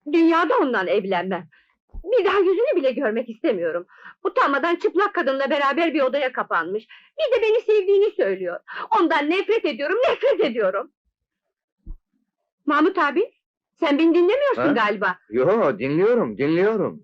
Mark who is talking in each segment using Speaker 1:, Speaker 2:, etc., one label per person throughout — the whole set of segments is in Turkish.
Speaker 1: Dünyada ondan evlenmem. Bir daha yüzünü bile görmek istemiyorum. Utanmadan çıplak kadınla beraber bir odaya kapanmış. Bir de beni sevdiğini söylüyor. Ondan nefret ediyorum, nefret ediyorum! Mahmut abi, sen beni dinlemiyorsun
Speaker 2: Ha?
Speaker 1: galiba.
Speaker 2: Yo, dinliyorum, dinliyorum.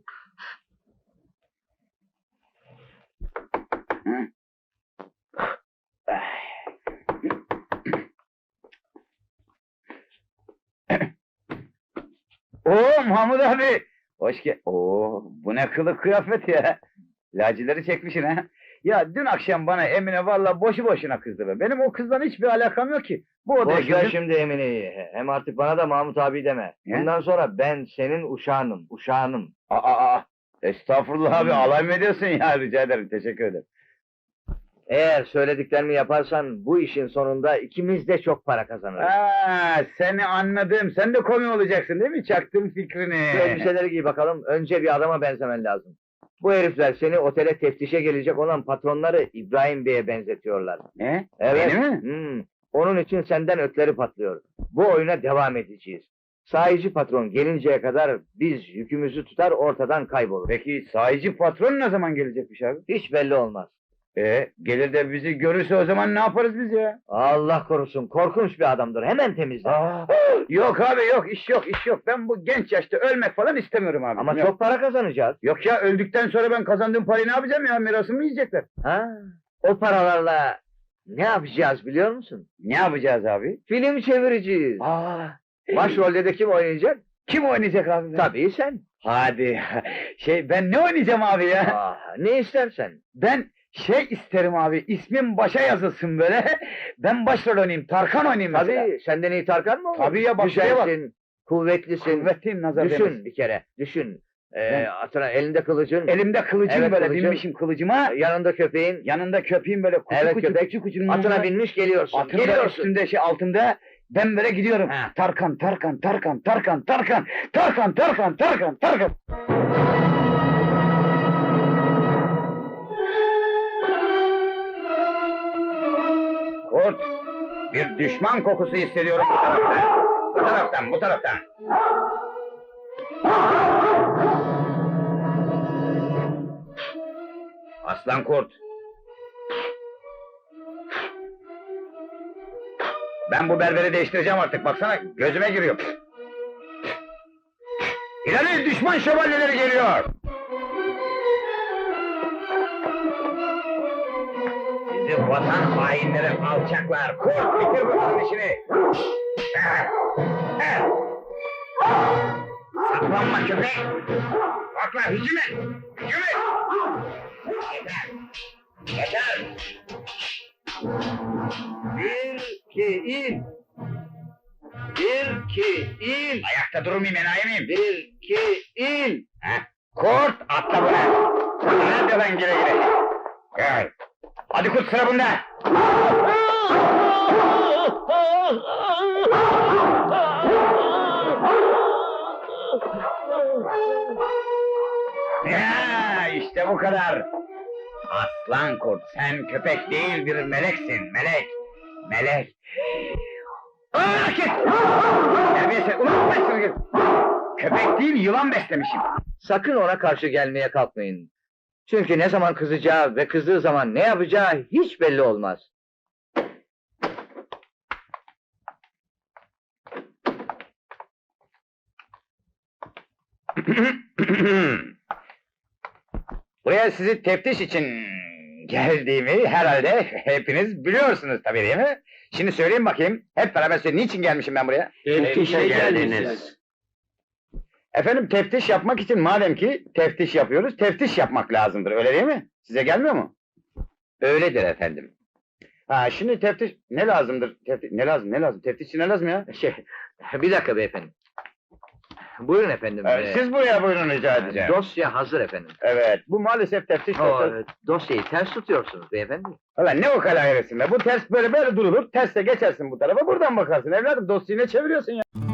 Speaker 3: Oo Mahmut abi! Hoş gel. Oo, bu ne kılık kıyafet ya! Lacileri çekmişsin ha! Ya dün akşam bana Emine vallahi boşu boşuna kızdı be. Benim o kızdan hiçbir alakam yok ki. Bu odaya
Speaker 2: Boş ver
Speaker 3: girdim.
Speaker 2: şimdi Emine'yi. Hem artık bana da Mahmut abi deme.
Speaker 3: Ne?
Speaker 2: Bundan sonra ben senin uşağınım, uşağınım.
Speaker 3: Aa! Estağfurullah abi,
Speaker 2: Hmm.
Speaker 3: alay mı ediyorsun ya? Rica ederim, teşekkür ederim.
Speaker 2: Eğer söylediklerimi yaparsan bu işin sonunda ikimiz de çok para kazanırız.
Speaker 3: Seni anladım. Sen de komi olacaksın değil mi? Çaktım fikrini.
Speaker 2: Şu elbiseleri giy bakalım. Önce bir adama benzemen lazım. Bu herifler seni otele teftişe gelecek olan patronları İbrahim Bey'e benzetiyorlar.
Speaker 3: Ne?
Speaker 2: Evet.
Speaker 3: Beni mi?
Speaker 2: Onun için senden ötleri patlıyor. Bu oyuna devam edeceğiz. Sahici patron gelinceye kadar biz yükümüzü tutar ortadan kaybolur.
Speaker 3: Peki sahici patron ne zaman gelecekmiş abi?
Speaker 2: Hiç belli olmaz.
Speaker 3: Gelir de bizi görürse o zaman ne yaparız biz ya?
Speaker 2: Allah korusun, korkunç bir adamdır. Hemen temizler.
Speaker 3: Yok abi, yok, iş yok, iş yok. Ben bu genç yaşta ölmek falan istemiyorum abi.
Speaker 2: Ama
Speaker 3: Yok.
Speaker 2: çok para kazanacağız.
Speaker 3: Yok ya, öldükten sonra ben kazandığım parayı ne yapacağım ya? Mirasımı mı yiyecekler?
Speaker 2: Ha? O paralarla ne yapacağız biliyor musun?
Speaker 3: Ne yapacağız abi?
Speaker 2: Film çevireceğiz. Başrolde de kim oynayacak?
Speaker 3: Kim oynayacak abi?
Speaker 2: Tabii sen.
Speaker 3: Hadi. Ben ne oynayacağım abi ya?
Speaker 2: Ne istersen.
Speaker 3: Ben isterim abi, ismim başa yazılsın böyle. Ben başrol oynayayım, Tarkan oynayayım mesela.
Speaker 2: Tabii, senden iyi Tarkan mı olur?
Speaker 3: Tabii ya, bak şuraya bak.
Speaker 2: Güzelsin, kuvvetlisin.
Speaker 3: Kuvvetliyim, nazar
Speaker 2: Düşün
Speaker 3: değmesin.
Speaker 2: bir kere, düşün.
Speaker 3: Ben-
Speaker 2: Atına elinde kılıcın,
Speaker 3: Elimde kılıcım
Speaker 2: Evet,
Speaker 3: böyle,
Speaker 2: kılıcım.
Speaker 3: binmişim kılıcıma.
Speaker 2: yanında köpeğin,
Speaker 3: Yanında köpeğim böyle, kucu
Speaker 2: Evet,
Speaker 3: kucu
Speaker 2: köpek.
Speaker 3: kucu kucunun
Speaker 2: atına
Speaker 3: yanında.
Speaker 2: binmiş geliyorsun.
Speaker 3: Atın da
Speaker 2: Geliyorsun.
Speaker 3: üstünde altında. Ben böyle gidiyorum.
Speaker 2: Ha.
Speaker 3: Tarkan, Tarkan, Tarkan, Tarkan, Tarkan, Tarkan, Tarkan, Tarkan, Tarkan. Kurt, bir düşman kokusu hissediyorum bu taraftan. Bu taraftan, bu taraftan. Aslan kurt. Ben bu berberi değiştireceğim artık, baksana gözüme giriyor. İleri, düşman şövalyeleri geliyor! Sizi vatan hainleri, alçaklar! Kurt, bitir bunların işini! Saklanma köpek! Bakla, hücum et! Hücum et! Yeter! Yeter!
Speaker 2: Bir, iki, in. Bir, iki, in.
Speaker 3: Ayakta durmayayım, enayi miyim?
Speaker 2: Bir, iki, in.
Speaker 3: Kurt, atla buna! Nerede lan, gire gire? Gel! Hadi kurt, sıra bunda! Ya, işte bu kadar! Aslan kurt, sen köpek değil bir meleksin, melek! Melek! Terbiyesiz, ulan ben git! Köpek değil, yılan beslemişim!
Speaker 2: Sakın ona karşı gelmeye kalkmayın. Çünkü ne zaman kızacağı ve kızdığı zaman ne yapacağı hiç belli olmaz.
Speaker 3: Buraya sizi teftiş için geldiğimi herhalde hepiniz biliyorsunuz tabii, değil mi? Şimdi söyleyeyim bakayım, hep beraber söyleyeyim, niçin gelmişim ben buraya?
Speaker 2: Teftişe geldiniz.
Speaker 3: Efendim, teftiş yapmak için madem ki teftiş yapıyoruz, teftiş yapmak lazımdır, öyle değil mi? Size gelmiyor mu?
Speaker 2: Öyledir efendim.
Speaker 3: Şimdi teftiş ne lazımdır? Ne lazım? Teftişçi ne lazım ya?
Speaker 2: Bir dakika beyefendi. Buyurun efendim.
Speaker 3: Siz buraya buyurun, rica edeceğim.
Speaker 2: Dosya hazır efendim.
Speaker 3: Evet, bu maalesef teftiş dosyası.
Speaker 2: Evet, dosyayı ters tutuyorsunuz beyefendi.
Speaker 3: Ulan ne o kadar herifsin be? Bu ters böyle durulur, terse geçersin bu tarafa, buradan bakarsın evladım, dosyayı ne çeviriyorsun ya?